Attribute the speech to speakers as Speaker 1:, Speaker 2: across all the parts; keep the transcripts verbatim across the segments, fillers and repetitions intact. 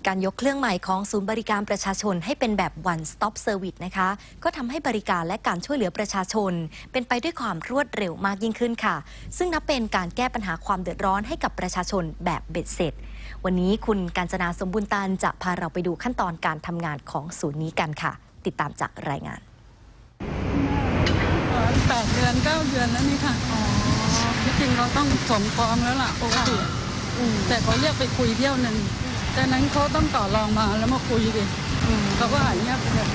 Speaker 1: การยกเครื่องใหม่ของศูนย์บริการประชาชนให้เป็นแบบ one stop service นะคะก็ทำให้บริการและการช่วยเหลือประชาชนเป็นไปด้วยความรวดเร็วมากยิ่งขึ้นค่ะซึ่งนับเป็นการแก้ปัญหาความเดือดร้อนให้กับประชาชนแบบเบ็ดเสร็จวันนี้คุณกาญจนาสมบูรณ์ตันจะพาเราไปดูขั้นตอนการทำงานของศูนย์นี้กันค่ะติดตามจากรายงาน
Speaker 2: แปดเดือนเก้าเดือนแล้วนี่ค่ะที่จริงเราต้องสมฟ้องแล้วล่ะปกติแต่เขาเรียกไปคุยเที่ยวหนึ่งแต่นั้นเขาต้องต่อรองมาแล้วมาคุยดิเขาก็หายเงียบไปเลย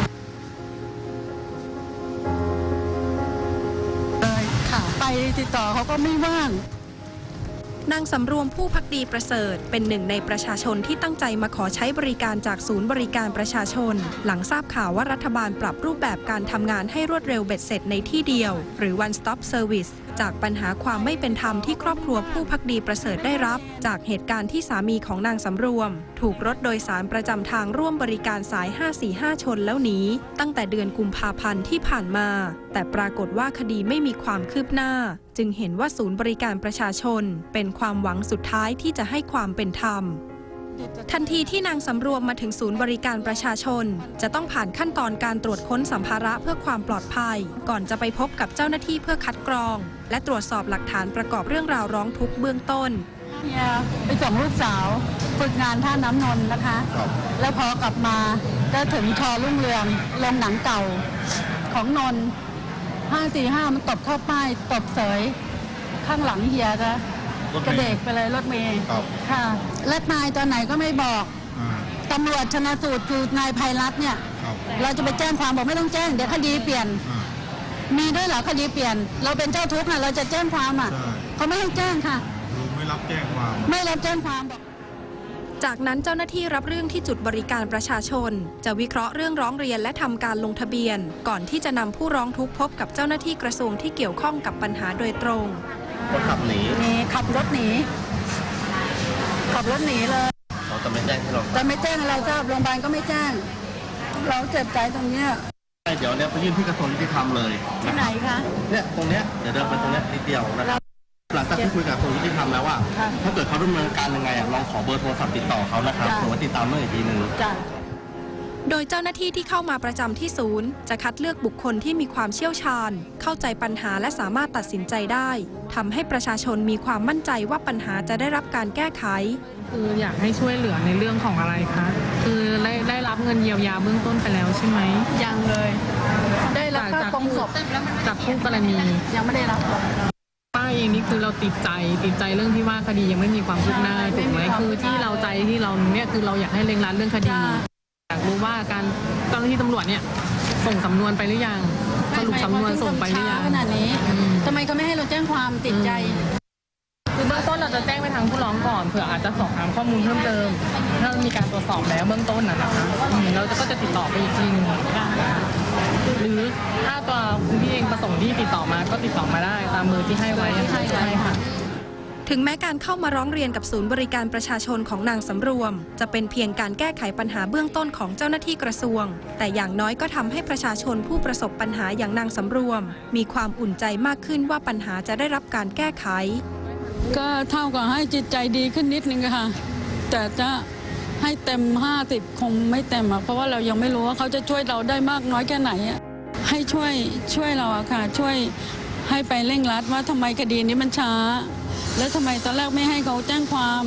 Speaker 2: ค่ะไปติดต่อเขาก็ไม่ว่าง
Speaker 3: นางสำรวมผู้ภักดีประเสริฐเป็นหนึ่งในประชาชนที่ตั้งใจมาขอใช้บริการจากศูนย์บริการประชาชนหลังทราบข่าวว่ารัฐบาลปรับรูปแบบการทำงานให้รวดเร็วเบ็ดเสร็จในที่เดียวหรือ one stop service จากปัญหาความไม่เป็นธรรมที่ครอบครัวผู้ภักดีประเสริฐได้รับจากเหตุการณ์ที่สามีของนางสำรวมถูกรถโดยสารประจำทางร่วมบริการสายห้าสี่ห้าชนแล้วหนีตั้งแต่เดือนกุมภาพันธ์ที่ผ่านมาแต่ปรากฏว่าคดีไม่มีความคืบหน้าจึงเห็นว่าศูนย์บริการประชาชนเป็นความหวังสุดท้ายที่จะให้ความเป็นธรรมทันทีที่นางสำรวมมาถึงศูนย์บริการประชาชนจะต้องผ่านขั้นตอนการตรวจค้นสัมภาระเพื่อความปลอดภัยก่อนจะไปพบกับเจ้าหน้าที่เพื่อคัดกรองและตรวจสอบหลักฐานประกอบเรื่องราวร้องทุกข์เบื้องต้น
Speaker 2: เนี่ยไปส่งลูกสาวฝึกงานท่าน้ำนนท์นะคะแล้วพอกลับมาก็ถึงชอรุ่งเรืองโรงหนังเก่าของนนท์ห้าสี่ห้ามันตบเข้าป้ายตบเสยข้างหลังเฮียจะกระเดกไปเลยรถเมย์ค่ะและนายตอนไหนก็ไม่บอกตำรวจชนสูตรคือนายภัยรัตน์เนี่ยเราจะไปแจ้งความบอกไม่ต้องแจ้งเดี๋ยวคดีเปลี่ยนมีด้วยเหรอคดีเปลี่ยนเราเป็นเจ้าทุกข์นะเราจะแจ้งความอ่ะเขาไม่ให้แจ้งค่ะ
Speaker 4: ไม่รับแจ้งความ
Speaker 2: ไม่รับแจ้งความบอก
Speaker 3: จากนั้นเจ้าหน้าที่รับเรื่องที่จุดบริการประชาชนจะวิเคราะห์เรื่องร้องเรียนและทำการลงทะเบียนก่อนที่จะนำผู้ร้องทุกข์พบกับเจ้าหน้าที่กระทรวงที่เกี่ยวข้องกับปัญหาโดยตรง
Speaker 4: คนขับหนี
Speaker 2: นี่ขับรถหนีขับรถหนีเลย
Speaker 4: เราจะไม่แจ้งให้เรา
Speaker 2: จะไม่แจ้งเราทราบโรงพยาบาลก็ไม่แจ้งเราเจ็บใจตรงนี้
Speaker 4: เดี๋ยวเนี้ยไปยื่นที่กระทรวงยุติธรรมเลย
Speaker 2: ที่ไหนคะ
Speaker 4: เนี่ยตรงเนี้ยเดี๋ยวเดินไปตรงเนี้ยนิดเดียวนะครับหลังจากที่คุยกับกระทรวงยุติธรรมแล้วว่าถ้าเกิดเขาดำเนินการยังไงอ่ะลองขอเบอร์โทรศัพท์ติดต่อเขานะครับหรือว่าติดตามเมื่ออีกทีหนึ่ง
Speaker 3: โดยเจ้าหน้าที่ที่เข้ามาประจำที่ศูนย์จะคัดเลือกบุคคลที่มีความเชี่ยวชาญเข้าใจปัญหาและสามารถตัดสินใจได้ทำให้ประชาชนมีความมั่นใจว่าปัญหาจะได้รับการแก้ไข
Speaker 5: คืออยากให้ช่วยเหลือในเรื่องของอะไรคะคือได้ได้รับเงินเยียวยาเบื้องต้นไปแล้วใช่ไหม
Speaker 2: ยังเลยได้รับค่าปรงศพ
Speaker 5: จากคู่กรณี
Speaker 2: ยังไม่ได้รับ
Speaker 5: ป้าเองนี่คือเราติดใจติดใจเรื่องที่ว่าคดียังไม่มีความคืบหน้าถูกไหมคือที่เราใจที่เราเนี่ยคือเราอยากให้เร่งรัดเรื่องคดีอยากรู้ว่าการเจ้าหน้าที่ตำรวจเนี่ยส่งสำนวนไปหรือยังสรุปสำนวนส่งไปหรือยัง
Speaker 2: ขนาดนี้ทำไมเขาไม่ให้เราแจ้งความติดใจ
Speaker 5: คือเบื้องต้นเราจะแจ้งไปทางผู้ร้องก่อนเผื่ออาจจะสอบถามข้อมูลเพิ่มเติมถ้ามีการตรวจสอบแล้วเบื้องต้นนะคะเราก็จะติดต่อไปอีกทีนึงหรือถ้าตัวคุณพี่เองประสงค์ที่ติดต่อมาก็ติดต่อมาได้ตามเบอร์ที่ให้ไว้ใช่ค่ะ
Speaker 3: ถึงแม้การเข้ามาร้องเรียนกับศูนย์บริการประชาชนของนางสำรวมจะเป็นเพียงการแก้ไขปัญหาเบื้องต้นของเจ้าหน้าที่กระทรวงแต่อย่างน้อยก็ทำให้ประชาชนผู้ประสบปัญหาอย่างนางสำรวมมีความอุ่นใจมากขึ้นว่าปัญหาจะได้รับการแก้ไข
Speaker 2: ก็เท่ากับให้จิตใจดีขึ้นนิดนึงค่ะแต่จะให้เต็มห้าสิบคงไม่เต็มอ่ะเพราะว่าเรายังไม่รู้ว่าเขาจะช่วยเราได้มากน้อยแค่ไหนอ่ะให้ช่วยช่วยเราอะค่ะช่วยให้ไปเร่งรัดว่าทำไมคดีนี้มันช้าแล้วทำไมตอนแรกไม่ให้เขาแจ้งความ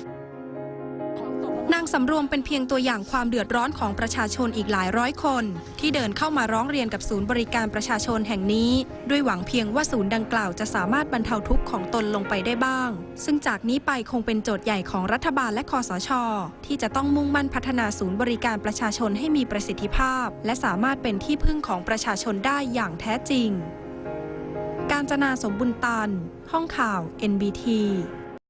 Speaker 3: นางสำรวมเป็นเพียงตัวอย่างความเดือดร้อนของประชาชนอีกหลายร้อยคนที่เดินเข้ามาร้องเรียนกับศูนย์บริการประชาชนแห่งนี้ด้วยหวังเพียงว่าศูนย์ดังกล่าวจะสามารถบรรเทาทุกข์ของตนลงไปได้บ้างซึ่งจากนี้ไปคงเป็นโจทย์ใหญ่ของรัฐบาลและคสช.ที่จะต้องมุ่งมั่นพัฒนาศูนย์บริการประชาชนให้มีประสิทธิภาพและสามารถเป็นที่พึ่งของประชาชนได้อย่างแท้จริงกาญจนาสมบุญตันห้องข่าว เอ็น บี ที